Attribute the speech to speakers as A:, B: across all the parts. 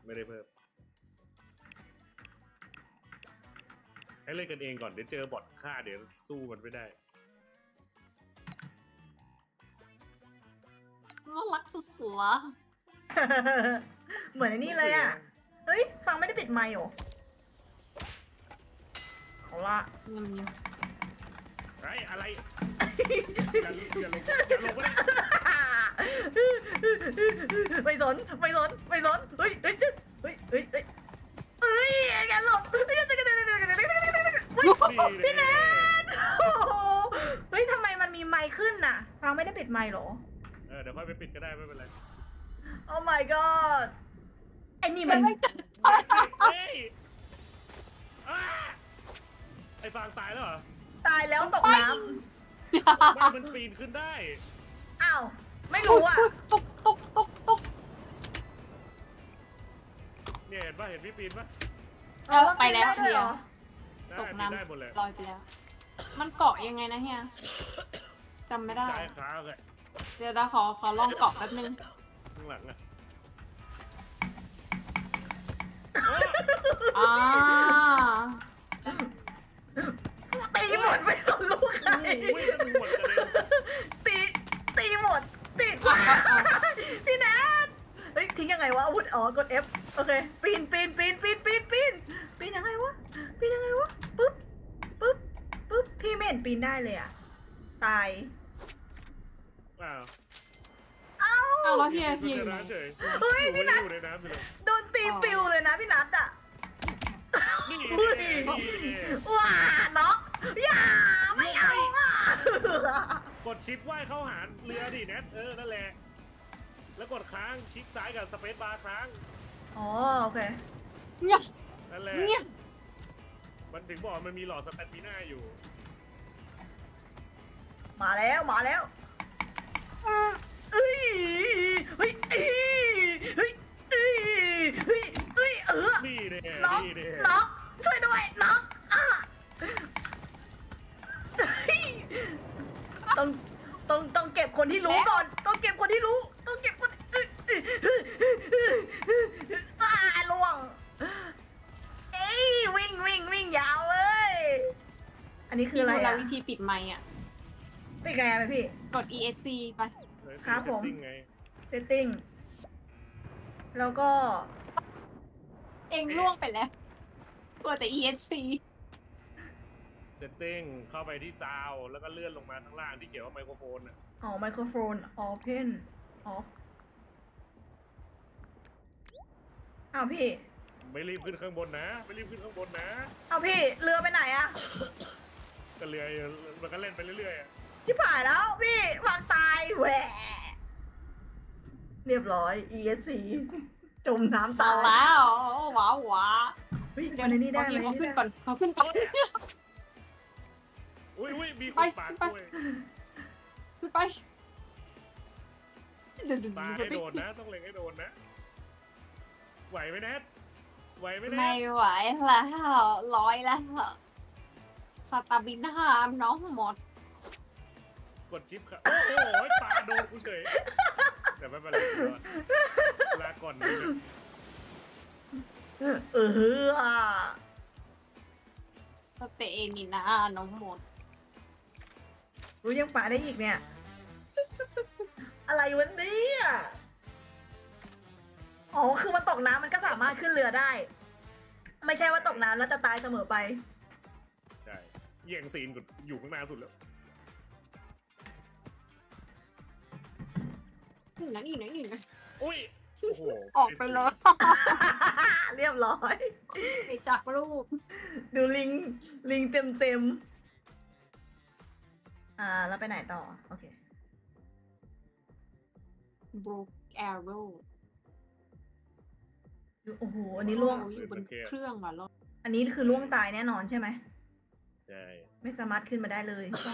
A: ไม่ได้เพิ่มให้เล่นกันเองก่อนเดี๋ยวเจอบอทฆ่าเดี๋ยวสู้มันไม่ได้
B: น่ารักสุดๆละ
C: เหมือนนี่เลยอ่ะ เฮ้ย ฟังไม่ได้ปิดไมค์หรอเอาละ
B: เงียบ
A: ไอ้อะไรอย่าลงไม่ได้
C: ไม่สนเฮ้ยจึ๊กเฮ้ยแกหลบพี่แนทเฮ้ยทำไมมันมีไมค์ขึ้นน่ะ ฟังไม่ได้ปิดไมค์หรอ
A: เดี๋ยวค่อยไปปิดก็ได้ไม่เป็นไร
C: โอ้ my god ไอ้นี่มัน
A: เฮ้ยไอ้ฟางตายแล้วเหรอ
C: ตายแล้วตกน้
A: บ้านมันปีนขึ้นได้
C: ำอ้าว ไม่รู้อ่ะ
B: ตก
A: เนี่ยเห็นป่ะเห็นพี่ปีนป่ะ
B: ไปแล้ว
C: ด้ด้วย
B: เฮี
C: เหร
B: ย
C: อ
A: ได้
B: ตก
A: ปีน
B: น้ำ
A: ได้หมดเลย
B: ลอยไปแล้ว มันเกาะยังไงนะเฮียจำไม่ได้
A: ซ้ายขาเลย
B: เดี๋ยวเราขอลองเกาะแป๊บนึง
A: ข้างหลังอ่ะ
B: อ่า
C: ตีหมดไม่สนลูกใคร
A: โอ้ยมันหมดกระเด็น
C: ตีหมดพี่แนทเฮ้ยทิ้งยังไงวะอาวุธอ๋อกด F โอเคปีนยังไงวะปึ๊บพี่ไม่เห็นปีนได้เลยอ่ะตาย
A: อ้าว
B: เอาแล้วเฮีย
A: อยู่
B: อยู่
A: ใน
B: ไหน
A: น้ำเฉย
C: เฮ้ยพี่นัท
A: อยู่ในน้ำอยู่เลย
C: โดนตีปิวเลยนะพี่นัทอ่ะ
A: นี่
C: อุ้ย
A: นี่
C: ว้าน็อกอย่าไม่เอาอ่ะ
A: กดชิปว่ายเข้าหาเรือดิแนทนั่นแหละ แล้วกดค้างคลิกซ้ายกับสเปซบาร์ค้าง
C: อ๋อโอเค
B: เงียบ
A: นั่นแหละ
B: เงียบ
A: มันถึงบอกมันมีหลอดสแตนมิน่าอยู่
C: มาแล้วเอ้ยเฮ้ย
A: นี่เด้
C: น็อก
A: นี่เด้
C: น็อกช่วยด้วยน็อกต้องเก็บคนที่รู้ก่อนต้องเก็บคนที่รู้ล่วงเอ้ยวิ่งยาวเลยอันนี้คืออะไร
B: พี่ดูแล
C: อ่ะ
B: วิธีปิดไมค์อ่ะ
C: เป็นไงไหมพี่
B: กด ESC ไป
C: ครับผม
A: เซตติ้งไง
C: เซตติ้งแล้วก็
B: เองล่วงไปแล้วกดแต่ ESC
A: เซตติ้งเข้าไปที่ซาวด์แล้วก็เลื่อนลงมาข้างล่างที่เขียนว่าไมโครโฟนอ่ะ
C: อ๋อไมโครโฟน open off อ้าวพี่
A: ไม่รีบขึ้นข้างบนนะไม่รีบขึ้นข้างบนนะ
C: อ้าวพี่เรือไปไหนอะ
A: ก็เรือมันก็เล่นไปเรื่อยๆอะ
C: ชิบหายแล้วพี่วางตายแหวะเรียบร้อย ESC จมน้ำ
B: ตา
C: ตาย ย
B: แล้วว้าว
C: เฮ้ย
B: เดี๋ย
C: มั
B: วน
C: นี้ได้
B: เขาขึ้นก่อนเขาขึ้นก่อน
A: อุ้ยมีค
B: ไป
A: นปาด
B: ไป
A: ด้วย
B: ขึ้นไป
A: ปาให้โดนนะต้องเล็งให้โดนนะไหวไหมแนทไหวไหมแน
B: ไม่
A: ท
B: ไหวแล้วร้อยแล้วสตาร์บินห้ามน้องหมด
A: กดชิปครับโอ้โหปาโดนกูเฉยแต่ไม่เป็นไรลาก่อนนะ
B: สเตเอนี่นะน้องหมด
C: รู้ยังป่าได้อีกเนี่ย อะไรวันนี้อ๋อคือมันตกน้ำมันก็สามารถขึ้นเรือได้ ไม่ใช่ว่าตกน้ำแล้วจะตายเสมอไป
A: ใช่แย่งซีนกูอยู่ข้างหน้าสุดแล้ว
B: นี่นะ
A: อุ้ยโอ้โห
B: ออกไปเลย
C: เรียบร้อย
B: ไปจากรูป
C: ดูลิงเต็มแล้วไปไหนต่อ โอเค
B: broke arrow
C: โอ้โห อันนี้ล่วง
B: อยู่บนเครื่องว่ะรถ
C: อันนี้คือล่วงตายแน่นอนใช่ไหม
A: ใช่
C: ไม่สามารถขึ้นมาได้เลยต้อง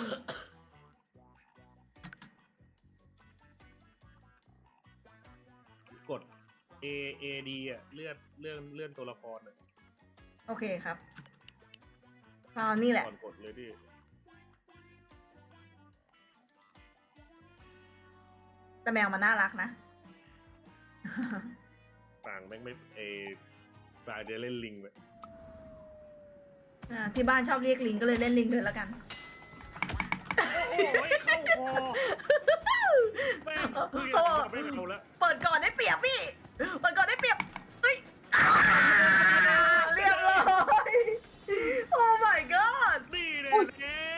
A: กด A A D อ่ะเลื่อนตัวละครอ่ะ
C: โอเคครับนี่แหละ
A: ก่อนกดเลยดิ
C: แต่แมวมันน่ารักนะ
A: ต่างแม่งไม่ปลายเดี๋ยวเล่นลิงไป
C: ที่บ้านชอบเรียกลิงก็เลยเล่นลิงเลยแล้วกัน
A: โอ้ยเข้าคอแม่งเพื่อนไม่เอาละ
C: เปิดก่อนได้เปรียบพี่ เปิดก่อนได้เปรียบเฮ้ยเรียบร้อยโอ้ my god
A: นี่เลยเนส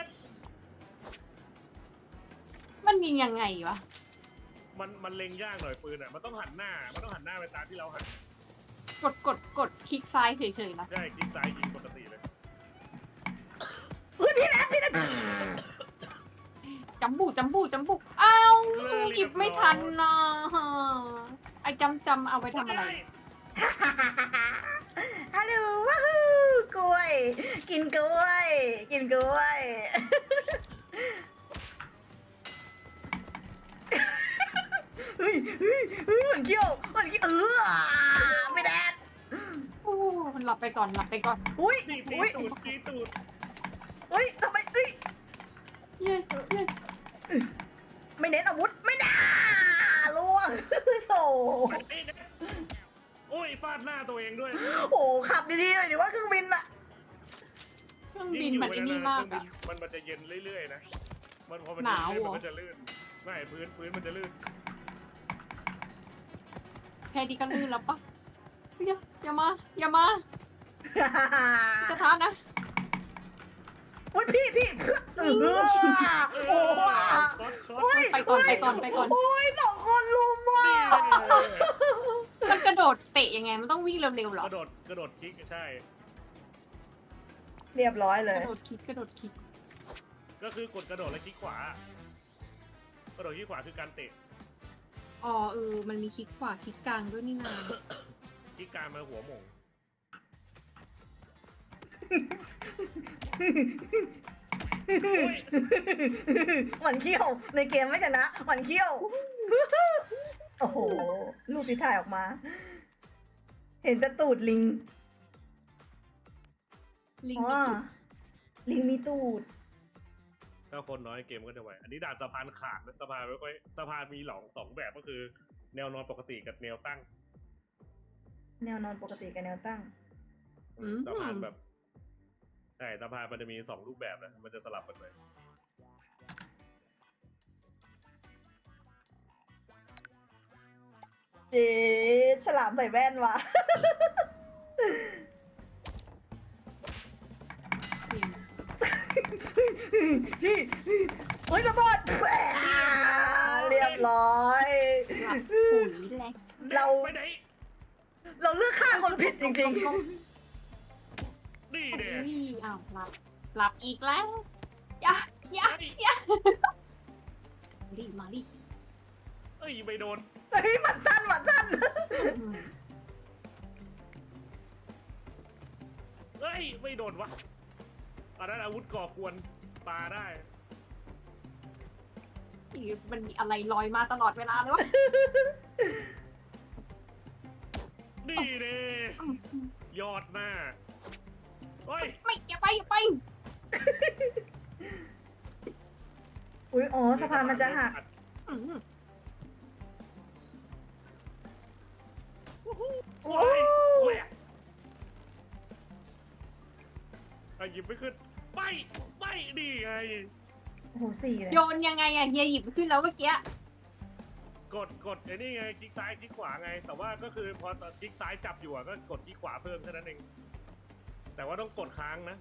B: มันยิงยังไงวะ
A: มันเล็งยากหน่อยปืนอ่ะมันต้องหันหน้าไปตามที่เราหัน
B: กดคลิกซ้ายเฉยๆนะ
A: ใช่คลิกซ้ายยิงปกติเลย
C: เฮ้ยพี่แนท
B: จำบุอ้าวหยิบไม่ทันนะไอ้จำเอาไปทำอะไร
C: ฮัลโหลว้าวกล้วย กินกล้วย กินกล้วย เฮ้ยเหมือนเขี้ยวไม่แดด
B: โอ้มันหลับไปก่อน
C: อุ้ย
A: ตี
C: อุ้ย
A: ตูดตีตูด
C: อุ้ยทำไมเอ้ย
B: เย้
C: ไม่เน้นอาวุธ ไม่น่าล่วงโถ
A: โอ้ยฟาดหน้าตัวเองด้วย
C: โอ้ขับดีๆหน่อยดิว่าเครื่องบินอะ
B: เครื่องบินมันไอ้นี่มากอะ
A: มันจะเย็นเรื่อยๆนะมันพอมัน
B: หนาว
A: เย็น
B: เหรอ
A: มันก็จะลื่นไม่พื้นมันจะลื่น
B: แค่ดีก็ลื่นแล้วปะอย่ามาจะท้านะ
C: อุ้ยพี่โอ้โห
A: ช็อต
B: ไปก่อน
C: โอ้ยสองคนลุมว่ะ
B: มันกระโดดเตะยังไง มันต้องวิ่งเร็วๆหรอก
A: ระโดดคลิกใช่
C: เรียบร้อยเล
B: ก
C: ย
B: ระโดดคลิก
A: ก็คือกดกระโดดแล้วคลิกขวากระโดดคลิกขวาคือการเตะ
B: อ๋อมันมีคลิกขวาคลิกกลางด้วยนี่นา
A: คลิกกลางมาหัวหม่ง
C: หวันเขี้ยวในเกมไม่ชนะหวันเขี้ยว โอ้โห รูปที่ถ่ายออกมา เห็นแต่ตูดลิง
B: ลิง
C: อ๋อ
B: มีจุด
C: ลิงมีตูด
A: ถ้าคนน้อยเกมก็จะไหวอันนี้ด่านสะพานขาดนะสะพานไม่ค่อยสะพานมีสองแบบก็คือ แนวนอนปกติกับแนวตั้ง
C: แนวนอนปกติกับแนวตั้ง
A: สะพานแบบใช่สะพานมันจะมี2รูปแบบนะมันจะสลับกันไป
C: เจ๊ฉลามใส่แว่นว่ะ ที่เฮ้ยระเบิดแหม่เรียบร้อย
B: หลับปุ๋ยแหละ
C: เรา
A: ไปไหน
C: เราเลือกฆ่าคนผิดจริง
A: นี่เด็
B: อ้าวหลับอีกแล้วอย่ามาดิ
A: เอ้ยไม่โดน
C: ๆเฮ้ยหมัดสั้น
A: เอ้ยไม่โดนวะอันนั้นอาวุธก่อกวนปาได้
B: มันมีอะไรลอยมาตลอดเวลาเลยวะ
A: นี่เด้ยอดหน้าเฮ้ย
B: ไม่อย่าไป
C: อุ้ยอ๋อสะพานมันจะหัก
B: อืม
A: โอ้ยแหวกหยิบไม่ขึ้นไปดีไง
C: โอ้โหสี่เลย
B: โยนยังไงอะเฮียหยิบขึ้นแล้วเมื่อกี้
A: กดไอ้นี่ไงคลิกซ้ายคลิกขวาไง แต่ว่าก็คือพอคลิกซ้ายจับอยู่ก็กดคลิกขวาเพิ่มแค่นั้นเองแต่ว่าต้องกดค้างนะ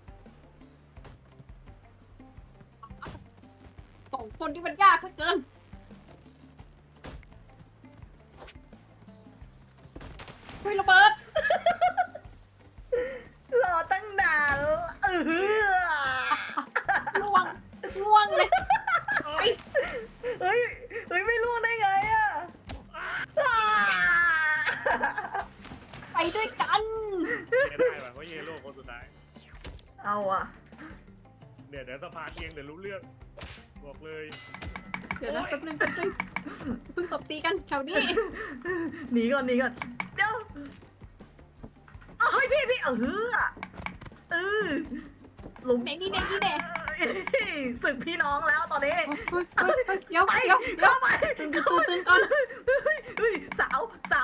B: สองคนที่มันยากเกินเฮ้ยระเบิด
C: รอตั้งนาน
B: ล่วงเลย
C: เฮ้ยไม่ล่วงได้ไงอะ
B: ไปด้วยกัน
A: เยได้ป่ะเพราะเยโร่คนสุดท้าย
C: เอาอะ
A: เดี๋ยวสะพานเอียงเดี๋ยวรู้เรื่องบอกเลย
B: เดี๋ยวนะแป๊บนึงเพิ่งตบตีกันแถวนี้
C: หนีก่อนเดี๋ยวเฮ้ยพี่ลุม
B: เด็กนี่เด็กนี่เด็ก
C: ศึกพี่น้องแล้วตอนนี้
B: เดี๋ยว
C: ไป
B: เดี๋ยวเดี๋ยว
C: เข้าไป
B: ตื่นก่อน
C: เฮ้ยสาว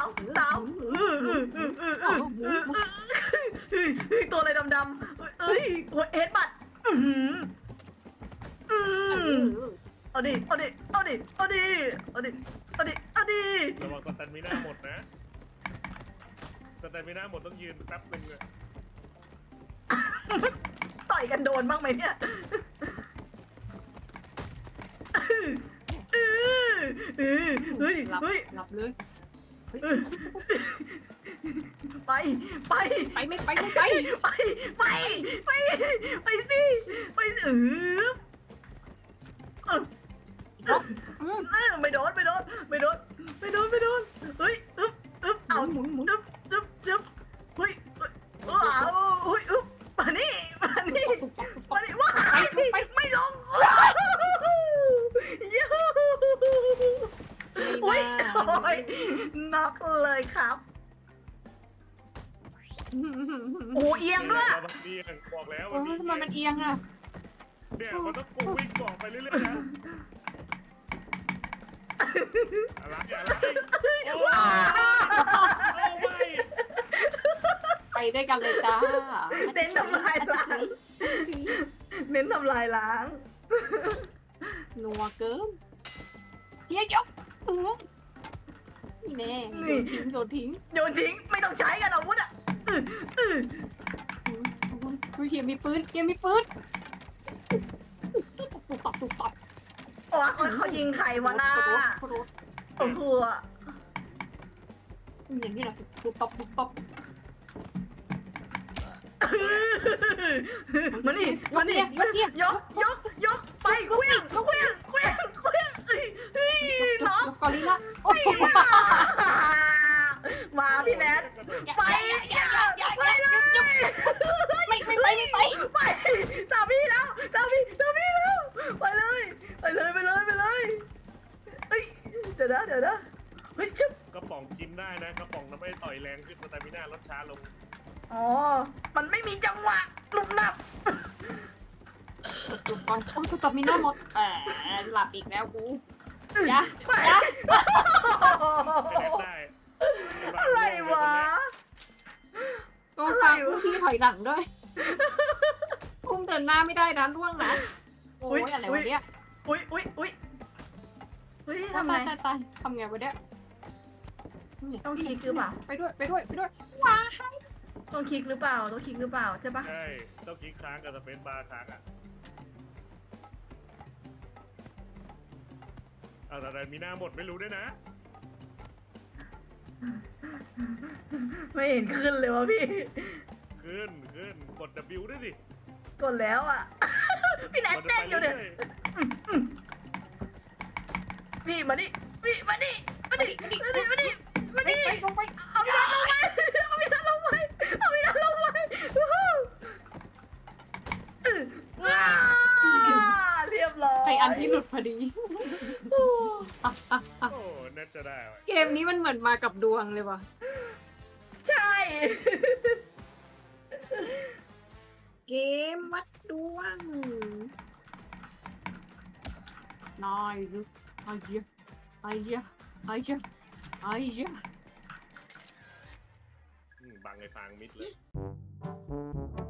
C: ตัวอะไรดำๆเอ้ยโอ้ยเอ็ดบัตเอาดิ
A: ระวังสแตนมิน่าหมดนะสแตนมิน่าหมดต้องยืนแป๊บนึงเลย
C: ต่อยกันโดนบ้างไหมเนี่ยเฮ้ย
B: หลับเลย
C: ไป
B: ไม่ไป
C: สิไม่โดนเฮ้ยเอา
B: หมุน
C: จึ๊บเฮ้ยว้าวเฮ้ยมานี่ว้ายไม่ลงยูอุ้ยโอ้ยน็อกเลยครับโอ้เอียงด้วย
A: เอียงบอกแล้ว
B: โอ้ยทำไมมันเอียงอ่ะ
A: เนี่ยมันต้องกูวิ่งบอกไปเรื่อยๆนะอะไรโอ้ไม่
B: ไปด้วยกันเลยจ้า
C: เน้นทำลายล้าง
B: นัวเกินเฮียยกนี่แน่โยนทิ้ง
C: โยนทิ้งไม่ต้องใช้กันอาวุธอ่ะ
B: เฮียมีปืนตุบตับ
C: โอ้เขายิงใครวะน่าโอ้โห
B: อย่างนี้แหละตุบตับ
C: มานี่ยกไปเคลี้ยงน้อง
B: กอริลล่าโอ้ย
C: มาพี่แนทไปเลยไปตามพี่แล้วไปเลยเฮ้ยเดี๋ยวนะเฮ้ยชุบ
A: กระป๋องกินได้นะกระป๋องนั้นไม่ต่อยแรงขึ้นสแตมิน่าลดช้าลง
C: อ๋อมันไม่มีจังหวะหนุบหนับ
B: ตุบก่อนโอ้ยตบมีหน้าหมดหลับอีกแล้วกูยะ
A: ได้
C: อะไรวะ
B: ต้องฟังผู้ที่ถอยหลังด้วยอุ้มเดินหน้าไม่ได้นะล่วงนะโอ้ยอะไรวะเนี่ย
C: อุ้ยทำไง
B: ตายทำไงวะเนี่ย
C: ต้องคลิกหรือเปล่า
B: ไปด้วยว้า
C: ต้องคลิกหรือเปล่าใช่ปะ
A: ใช่ต้องคลิกค้างกับสเปซบาร์ค้างอ่ะแต่มีหน้าหมดไม่รู้ด้วยนะ
C: ไม่เห็นขึ้นเลยวะพี่
A: ขึ้นกด W ด้วยดิ
C: กดแล้วอ่ะ พี่แนทเต้นอยู่เนี่ยพี่มาดิมาดิเอาพี่นัทลงไปเรียบร้อย
B: ไออันที่หลุดพอดี
A: โอ้น่าจะได้
B: เกมนี้มันเหมือนมากับดวงเลยว่ะ
C: ใช่
B: เกมวัดดวงนายซึไอ้เหี้ย
A: บังไอ้ฟางมิดเลย